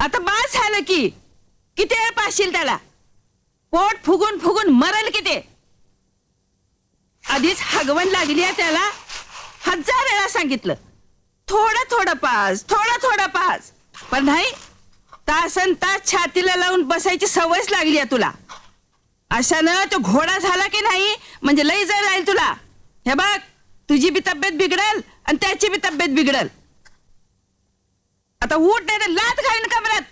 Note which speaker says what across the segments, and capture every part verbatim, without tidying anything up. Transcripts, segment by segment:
Speaker 1: आता बास झालं की किती वेळ पाशील त्याला? पोट फुगून फुगून मरल किती. आधीच हगवण लागली आहे त्याला. हजार वेळा सांगितलं थोडं थोडं पास, थोडं थोडं पास, पण नाही. तासन तास छातीला लावून बसायची सवयच लागली आहे तुला. अशानं तो घोडा झाला की नाही म्हणजे लई जर राहील तुला. हे बघ, तुझी बी तब्येत बिघडल आणि त्याची बी तब्येत बिघडल. आता उठ नाही तर लात घालीन कमरात.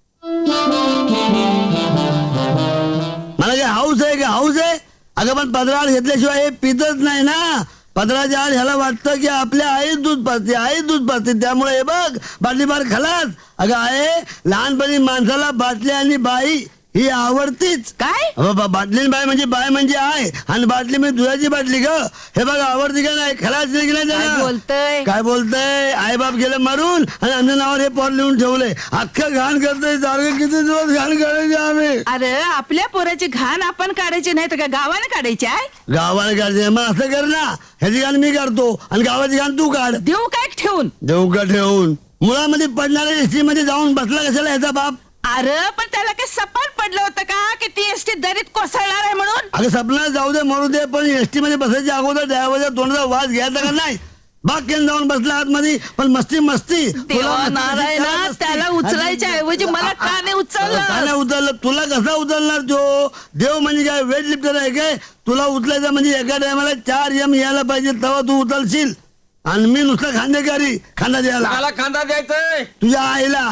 Speaker 2: मला काय हाऊस आहे का हाऊस आहे? अगं पण पदराळ घेतल्याशिवाय हे पितच नाही ना. पदराच्या आड ह्याला वाटतं की आपल्या आई दूध पाजते, आई दूध पाजते, त्यामुळे हे बघ बाटली बार खलास. अगं आहे लहानपणी माणसाला बाटली आणि बाई ही आवडतीच.
Speaker 1: काय
Speaker 2: बाटली बाय म्हणजे बाय म्हणजे आहे आणि बाटली म्हणजे दुधाची बाटली ग. हे बघ आवडती का नाही? खलास नाही की
Speaker 1: काय
Speaker 2: नाही?
Speaker 1: बोलतय
Speaker 2: काय बोलतय? आई बाप गेलं मारून आणि आमच्या नावावर हे पोर लिहून ठेवलंय. अख्खं घाण करतोय सारखं. किती दिवस घाण करायचे आम्ही?
Speaker 1: अरे आपल्या पोराची घाण आपण काढायची नाही तर का गावाने काढायची आहे?
Speaker 2: गावाला काढते मग असं कर ना. ह्याची घाण मी काढतो आणि गावाची घाण तू काढ.
Speaker 1: देऊ काय ठेवून?
Speaker 2: देऊ का ठेवून? मुळामध्ये पडणाऱ्या एसटी मध्ये जाऊन बसला कशाला ह्याचा बाप?
Speaker 1: अरे पण त्याला काही सपाट पडलं होतं का की ती एसटी दरीत कोसळणार आहे म्हणून?
Speaker 2: अगं सपना जाऊ दे मरू दे, पण एसटी मध्ये बसायच्या अगोदर ड्रायव्हरच्या तोंडाचा वास घ्यायचा का नाही? बाग केन जाऊन बसला आतमध्ये, पण मस्ती मस्ती.
Speaker 1: देवा नारायणा, त्याला उचलायच्या ऐवजी मला का नाही उचललं?
Speaker 2: का नाही उचललं? तुला कसा उचलणार तो? देव म्हणजे काय वेट लिफ्टर आहे काय? तुला उचलायचं म्हणजे एका टायमाला चार एम यायला पाहिजे तेव्हा तू उचलशील. आणि मी नुसतं खांदेकारी खांदा द्यायला.
Speaker 3: मला खांदा द्यायचंय
Speaker 2: तुझ्या आईला.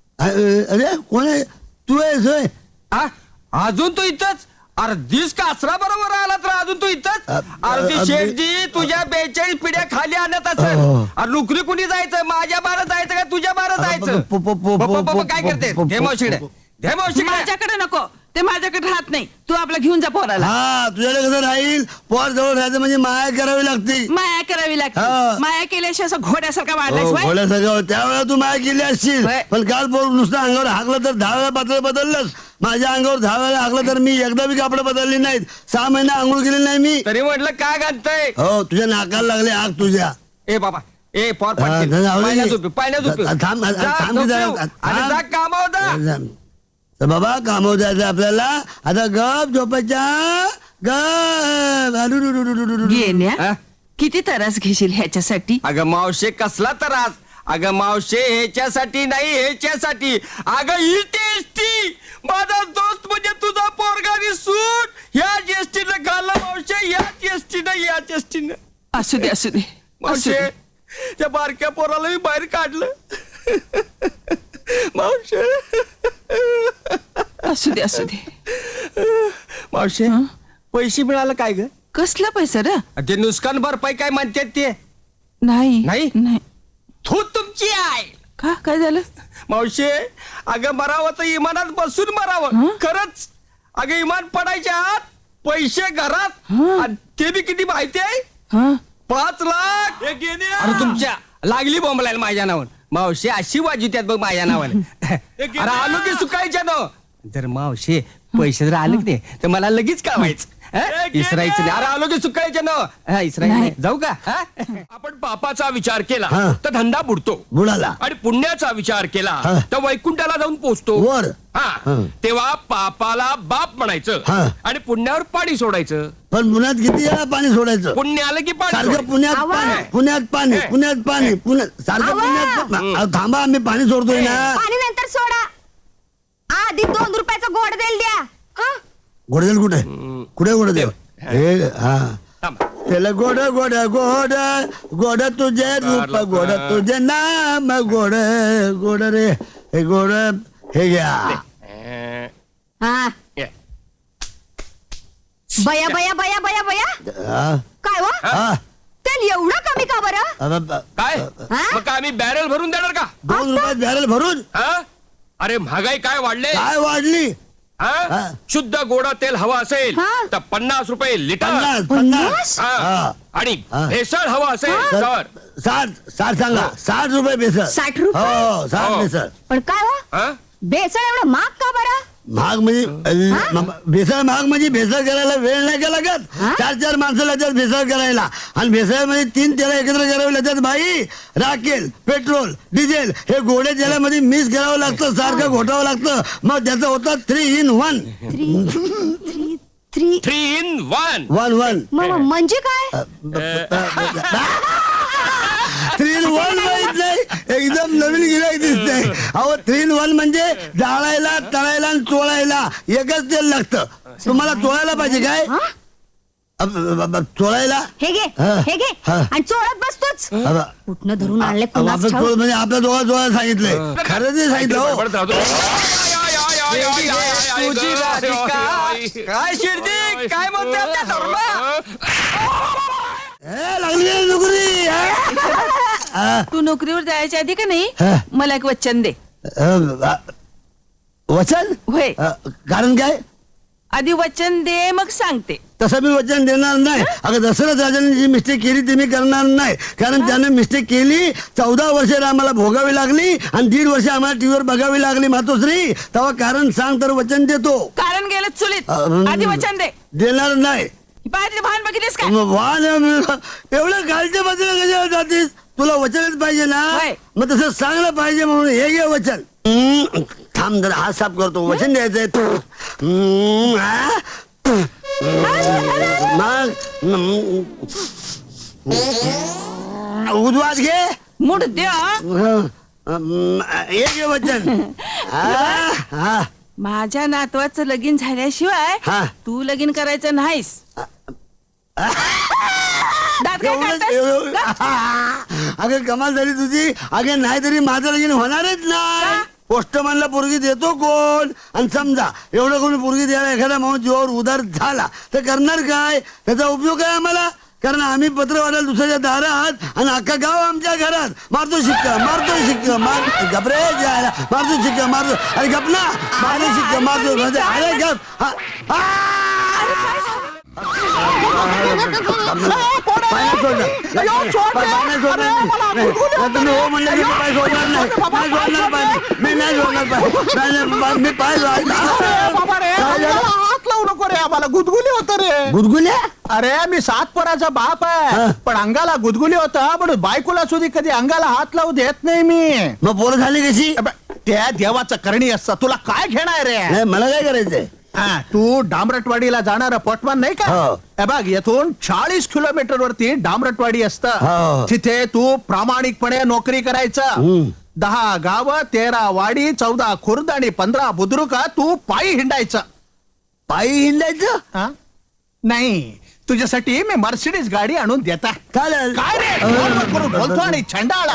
Speaker 2: अरे कोण आहे तू? आहेस होय?
Speaker 3: हा? अजून तू इथंच? अरे दिस कासरा बरोबर आला तर अजून तू इथंच? अरे ती शेठजी तुझ्या बेचाळीस पिढ्या खाली आणत असेल. अरे नोकरी कुणी जायचं? माझ्या बारा जायचं का तुझ्या बारा जायचं?
Speaker 2: प- प- प-
Speaker 3: प- प- प- काय करते?
Speaker 2: प- प-
Speaker 3: घे मावशीकडे, घे मावशीकडे.
Speaker 1: माझ्याकडे नको, ते माझ्याकडे राहत नाही. तू आपला घेऊन जा पोराला.
Speaker 2: हा तुझ्याकडे कसं राहील? पोर जवळ राहायचं म्हणजे माया करावी लागते.
Speaker 1: माया करावी लागते.
Speaker 2: हा.
Speaker 1: माया केल्याशिवाय असं घोड्यासारखा वाढलायस
Speaker 2: हो,
Speaker 1: व्हय?
Speaker 2: घोड्यासारखं त्यावेळेला तू माया केली असशील.
Speaker 1: होय.
Speaker 2: पण काल पोर नुसतं अंगावर हाकलं तर दहा वेळा पातळ बदललंस. माझ्या अंगावर दहा वेळा हाकलं तर मी एकदा बी कापड बदलली नाहीत. सहा महिने आंघोळ केली नाही मी.
Speaker 3: तरी म्हटलं काय घालतय?
Speaker 2: हो तुझ्या नाकाला लागले आग तुझ्या.
Speaker 3: ए बाबा ए पॉर
Speaker 2: हा,
Speaker 3: पटकीन.
Speaker 2: जाऊ दे.
Speaker 3: पाण्यात उभी, पाण्यात उभी.
Speaker 2: थांब, थांब,
Speaker 3: जा,
Speaker 2: थांब,
Speaker 3: झोप
Speaker 2: जरा.
Speaker 3: येऊ. आणि
Speaker 2: थांब.
Speaker 3: जा कामावर जा.
Speaker 2: तर बाबा कामावर जायचं आपल्याला. आता गप झोपायच्या. गप अरुरुरुरुरुरुरु.
Speaker 1: गेल्या
Speaker 3: हा?
Speaker 1: किती त्रास घेशील ह्याच्यासाठी?
Speaker 3: अगं मावशे कसला त्रास? अगं मावशे ह्याच्यासाठी नाही, ह्याच्यासाठी. अगं ही टेस्टी माझा दोस्त म्हणजे तुझा पोरगानी सूट ह्या टेस्टीनं घालला मावशे. या टेस्टीनं या टेस्टीनं
Speaker 1: असू दे असू दे असू
Speaker 3: मावशे
Speaker 1: दे.
Speaker 3: त्या बारक्या पोराला मी बाहेर काढलं. मावशे
Speaker 1: असू दे असू दे.
Speaker 3: मावशे
Speaker 1: हं?
Speaker 3: पैसे मिळालं काय ग?
Speaker 1: कसला पैसा रे?
Speaker 3: ते नुकसान भरपाई काय म्हणतात ते?
Speaker 1: नाही
Speaker 3: नाही?
Speaker 1: नाही.
Speaker 3: तू तुमची आहे
Speaker 1: का काय झालं?
Speaker 3: मावशे. अगं मरावं तर इमानात बसून मरावं.
Speaker 1: हं?
Speaker 3: खरंच. अगं इमान पडायच्या आत पैसे घरात.
Speaker 1: हं?
Speaker 3: आणि ते बी किती माहिती आहे?
Speaker 1: हा
Speaker 3: पाच लाख. अरे तुमच्या लागली बोंबलायला माझ्या नावावर. मावशे अशी वाजी त्यात बघ माझ्या नावाने. अरे आलो की सुकायच्या ना. जर मावशे पैसे जर आले की नाही तर मला लगेच कळवायचं. हं? इसरायचं नाही. अरे आलो की सुकायच्या ना. इसरायचं नाही. जाऊ का? हं?
Speaker 4: आपण पापाचा विचार केला
Speaker 2: हा.
Speaker 4: तर धंदा बुडतो.
Speaker 2: बुडाला
Speaker 4: आणि पुण्याचा विचार केला
Speaker 2: हा.
Speaker 4: तर वैकुंठाला जाऊन पोहोचतो.
Speaker 2: वर.
Speaker 4: हा
Speaker 2: हा.
Speaker 4: तेव्हा पापाला बाप म्हणायचं
Speaker 2: हा.
Speaker 4: आणि पुण्यावर पाणी सोडायचं.
Speaker 2: पण पुण्यात किती वेळा पाणी सोडायचं?
Speaker 4: पुण्य आलं की पाणी
Speaker 2: सारखं
Speaker 4: सोडायचं.
Speaker 2: पुण्यात
Speaker 1: आवा.
Speaker 2: पाणी पुण्यात पाणी
Speaker 4: हे.
Speaker 2: पुण्यात पाणी पुण्यात सारखं
Speaker 1: आवा.
Speaker 2: पुण्यात अहो, थांबा आम्ही पाणी सोडतोय ना.
Speaker 5: पाणी नंतर सोडा. आधी दोन रुपयाचा गोड देल द्या. हं?
Speaker 2: गोडदेल कुठे कुठे गोडदेल? हे हा
Speaker 4: थांबा.
Speaker 2: त्याला गोड गोड गोड गोड तुझे रूप गोड तुझे नाम गोड गोड रे हे गोड हे घ्या.
Speaker 4: अं,
Speaker 5: हा.
Speaker 4: ये.
Speaker 5: बया बया बया बया बया
Speaker 2: हा,
Speaker 5: काय वा
Speaker 2: हा.
Speaker 5: तेल एवढं कमी का बरं?
Speaker 2: अब- अब-
Speaker 4: काय
Speaker 5: हा?
Speaker 4: मग काय आम्ही बॅरल भरून देणार का?
Speaker 2: दोन रुपयात बॅरल भरून
Speaker 4: हा? अरे महागाई काय वाढले?
Speaker 2: काय वाढली?
Speaker 4: हा?
Speaker 2: हा.
Speaker 4: शुद्ध गोडा तेल हवं असेल
Speaker 5: हा.
Speaker 4: तर पन्नास रुपये लिटर.
Speaker 2: पन्नास पन्नास
Speaker 4: हा.
Speaker 2: हा.
Speaker 4: आणि
Speaker 2: हा.
Speaker 4: भेसळ हवं असेल
Speaker 2: तर
Speaker 4: तर
Speaker 2: साठ साठ सांगा साठ रुपये बेसळ.
Speaker 5: साठ रुपये?
Speaker 2: हो साठ
Speaker 4: हो.
Speaker 2: बेसळ.
Speaker 5: पण काय वा
Speaker 4: हा?
Speaker 5: बेसन एवढं महाग का बरं?
Speaker 2: महाग म्हणजे अल- म- भेसळ महाग म्हणजे भेसळ करायला वेळ नाही का लागत चार चार माणसं लागतात भेसळ करायला आणि भेसळ मध्ये तीन तेला एकत्र करावे लागतात बाई राखेल पेट्रोल डिझेल हे गोडे तेलामध्ये मिक्स करावं लागतं सारखं घोटावं लागतं मग त्याचं होतं three in one
Speaker 5: three three three
Speaker 4: three in one
Speaker 2: one one
Speaker 5: म- म- म्हणजे काय
Speaker 2: थ्री इन वन माहित नाही एकदम नवीन गिराईक दिसतंय अहो थ्री इन वन म्हणजे जाळायला तळायला आणि चोळायला एकच तेल लागतं तुम्हाला चोळायला पाहिजे काय अब- अब- अब- चोळायला
Speaker 5: हे घे
Speaker 2: हा.
Speaker 5: हे घे
Speaker 2: हा.
Speaker 5: आणि चोळत बसतोच
Speaker 2: अब-
Speaker 5: कुठनं धरून आणले
Speaker 2: अब-
Speaker 5: कुणास
Speaker 2: आपण
Speaker 5: ठाऊक.
Speaker 2: चोळ म्हणजे आपल्या दोघा चोळायला सांगितलंय खरं ते सांगितलं हो.
Speaker 4: बडबडत राहतो. आय, आय, आय, आय, आय, आय, आय,
Speaker 3: तुझी
Speaker 4: आय, आय,
Speaker 3: राधिका.
Speaker 4: आय, आय.
Speaker 3: काय शिर्डी काय म्हणते आपल्या धर्मा
Speaker 2: ए, लागली आहे नोकरी हा? हा.
Speaker 1: तू नोकरीवर जायच्या आधी का नाही
Speaker 2: हा.
Speaker 1: मला एक वचन दे
Speaker 2: अ, अ, वचन
Speaker 1: होय
Speaker 2: अ, कारण काय
Speaker 1: आधी वचन दे मग सांगते
Speaker 2: तसं मी वचन देणार नाही अगं दशरथ राजाने जी मिस्टेक केली ती मी करणार नाही कारण त्याने मिस्टेक केली चौदा वर्ष आम्हाला भोगावी लागली आणि दीड वर्ष आम्हाला टीव्हीवर बघावी लागली मातोश्री तेव्हा कारण सांग तर वचन देतो
Speaker 1: कारण गेलं चुलीत
Speaker 2: अं,
Speaker 1: आधी वचन दे
Speaker 2: देणार नाही
Speaker 1: बाहेर भान बघितलीस का
Speaker 2: मग वाहन एवढं खालच्या बाजूला कशाला जातीस तुला वचनच पाहिजे ना
Speaker 1: होय.
Speaker 2: मग तसं सांगलं पाहिजे म्हणून हे घे वचन हम्म, थांब जरा हात साफ करतो वचन द्यायचंय हम्म, हा? मग हम्म, उद्वास घे
Speaker 1: मुठ द्या
Speaker 2: हं, हं, हे घे वचन हा, हा,
Speaker 1: माझ्या नातवाचं लगीन झाल्याशिवाय
Speaker 2: हा.
Speaker 1: तू लगीन करायचं नाहीस दात काय
Speaker 2: एवढंच-
Speaker 1: काढतास?
Speaker 2: एवढं-
Speaker 1: का?
Speaker 2: अगं कमाल झाली तुझी अगं नाही तरी माझं लगीन होणारच नाही पोस्टमॅनला पोरगी देतो कोण आणि समजा एवढं कोणी पोरगी द्यायला एखादा माणूस जीवावर उदार झाला तर करणार काय त्याचा उपयोग आहे आम्हाला कारण आम्ही पत्र वाढायला दुसऱ्याच्या दारात आणि अख्खा गाव आमच्या घरात मारतो शिक्का मारतो शिक्का मार गपरे जायला मारतो शिक्का मारतो अरे गप ना मारतो शिक्का मारतो म्हणजे अरे गप हा, हा. पाय सोडणार. पाय सोडणार नाही. नाही, तुम्ही हो म्हणलं की मी पाय सोडणार नाही. नाही सोडणार पाय. मी नाही सोडणार पाय. नाही, नाही, पाय- मी पाय सोडणार. काय झालं?
Speaker 6: हात लावू नको रे आम्हाला गुदगुली होत रे
Speaker 2: गुदगुल्या
Speaker 6: अरे मी सात पोराचा बाप
Speaker 2: हा.
Speaker 6: आहे पण अंगाला गुदगुली होता पण बायकोला सुद्धा कधी अंगाला हात लावू देत नाही मी
Speaker 2: मग पोरं झाली कशी
Speaker 6: अबे, त्या देवाचं करणी असतं तुला काय घेणार रे
Speaker 2: नाही मला काय करायचंय
Speaker 6: हा, तू डांबरटवाडीला जाणार पोटमान नाही का
Speaker 2: हो.
Speaker 6: हे बघ येथून चाळीस किलोमीटर वरती डांबरटवाडी असत
Speaker 2: हो.
Speaker 6: तिथे तू प्रामाणिकपणे नोकरी करायचं
Speaker 2: हम्म.
Speaker 6: दहा गाव तेरा वाडी चौदा खुर्द आणि पंधरा बुद्रुका तू पायी हिंडायचं
Speaker 2: पायी हिंडायचं
Speaker 6: हा? नाही तुझ्यासाठी मी मर्सिडीज गाडी आणून देता
Speaker 2: चालेल
Speaker 6: काय रे फोनवर करून बोलतो आणि छंडाळा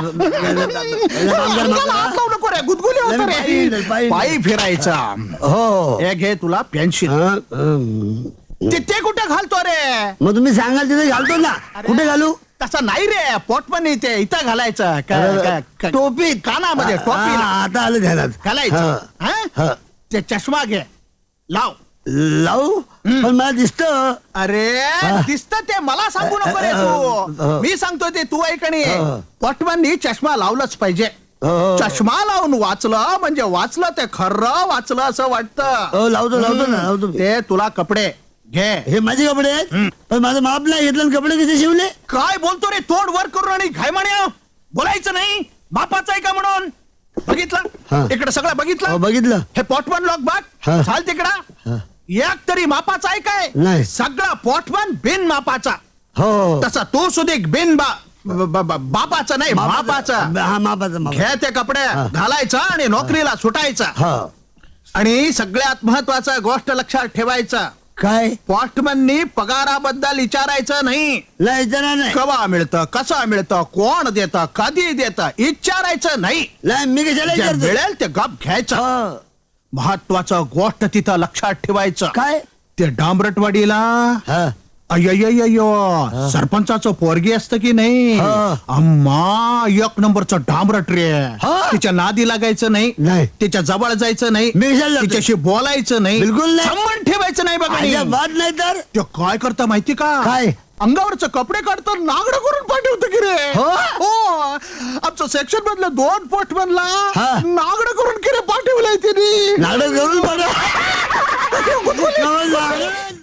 Speaker 6: अंगाला हात लावू नको रे गुदगुली होत
Speaker 2: नाही, पायी हिंडेल,
Speaker 6: रे
Speaker 2: पायी
Speaker 6: पायी फिरायचा
Speaker 2: हो
Speaker 6: हे घे तुला पेन्शिल
Speaker 2: हं, हं.
Speaker 6: तिथे कुठे घालतो रे
Speaker 2: मग तुम्ही सांगाल तिथे घालतो ना कुठे घालू
Speaker 6: तसं नाही रे पोटपण इथे इथं घालायचं काय- काय- काय-
Speaker 2: टोपीत
Speaker 6: कानामध्ये टोपी
Speaker 2: हा, आता आलं ध्यानात
Speaker 6: घालायचं
Speaker 2: हा.
Speaker 6: हा?
Speaker 2: हा.
Speaker 6: ते चष्मा घे लाव
Speaker 2: लावू पण मला दिसत
Speaker 6: अरे
Speaker 2: हा.
Speaker 6: दिसत ते मला सांगू नको रे
Speaker 2: हा.
Speaker 6: तू मी सांगतो ते तू ऐकणी
Speaker 2: हा.
Speaker 6: पोटमांनी चष्मा लावलंच पाहिजे
Speaker 2: हो.
Speaker 6: चष्मा लावून वाचलं म्हणजे वाचलं ते खरं वाचलं असं वाटतं
Speaker 2: हो लावतो लावतो ना लावतो मी.
Speaker 6: ते तुला कपडे घे
Speaker 2: हे माझे कपडे आहेत पण माझं माप नाही घेतलं आणि कपडे कसे शिवले
Speaker 6: काय बोलतो रे तोंड वर करून आणि घाय म्हणे बोलायचं नाही बापाचं आहे का म्हणून
Speaker 2: हा.
Speaker 6: बघितलं इकडे सगळं
Speaker 2: हो,
Speaker 6: बघितलं
Speaker 2: बघितलं
Speaker 6: हे पोटमन लोक बघ
Speaker 2: हा.
Speaker 6: चाल तिकडं
Speaker 2: हा.
Speaker 6: एक तरी मापाचा आहे काय
Speaker 2: नाही.
Speaker 6: सगळा पोटमन बिन मापाचा
Speaker 2: हो
Speaker 6: तसा तू सुधिक बिन बा ब- ब- ब- बापाचा नाही मापाचा
Speaker 2: हा मापाचा माप
Speaker 6: घे ते कपडे घालायचा आणि नोकरीला सुटायचा
Speaker 2: हा
Speaker 6: आणि सगळ्यात महत्वाचा गोष्ट लक्षात ठेवायचा
Speaker 2: काय
Speaker 6: पोस्टमननी पगाराबद्दल विचारायचं नाही
Speaker 2: नाही विचारणार नाही
Speaker 6: कवा मिळतं कसं मिळतं कोण देतं कधी देतं विचारायचं नाही
Speaker 2: नाही मी कशाला
Speaker 6: जे
Speaker 2: विचारतो
Speaker 6: मिळेल ते गप घ्यायचं
Speaker 2: हो.
Speaker 6: महत्वाचं गोष्ट तिथं लक्षात ठेवायचं
Speaker 2: काय
Speaker 6: ते डांबरटवाडीला
Speaker 2: हा
Speaker 6: अय्यो सरपंचाचं पोरगी असतं की नाही
Speaker 2: हा.
Speaker 6: अम्मा एक नंबरचं डांबरट रे
Speaker 2: हा.
Speaker 6: तिच्या नादी लागायचं नाही
Speaker 2: नाही.
Speaker 6: तिच्या जवळ जायचं नाही
Speaker 2: मी कशाला जातोय?
Speaker 6: तिच्याशी बोलायचं नाही
Speaker 2: बिलकुल नाही.
Speaker 6: संबंध ठेवायचं नाही बघा
Speaker 2: माझ्या बात नाही तर
Speaker 6: ते काय करता माहिती का
Speaker 2: काय?
Speaker 6: अंगावरचं कपडे काढतो नागडं करून पाठवतो की रे
Speaker 2: हो?
Speaker 6: हो आमचं सेक्शन मधलं दोन पोट बनला
Speaker 2: हा.
Speaker 6: नागडं करून की रे पाठवलंय तिने
Speaker 2: नाटक करून बघा कमल लागलं.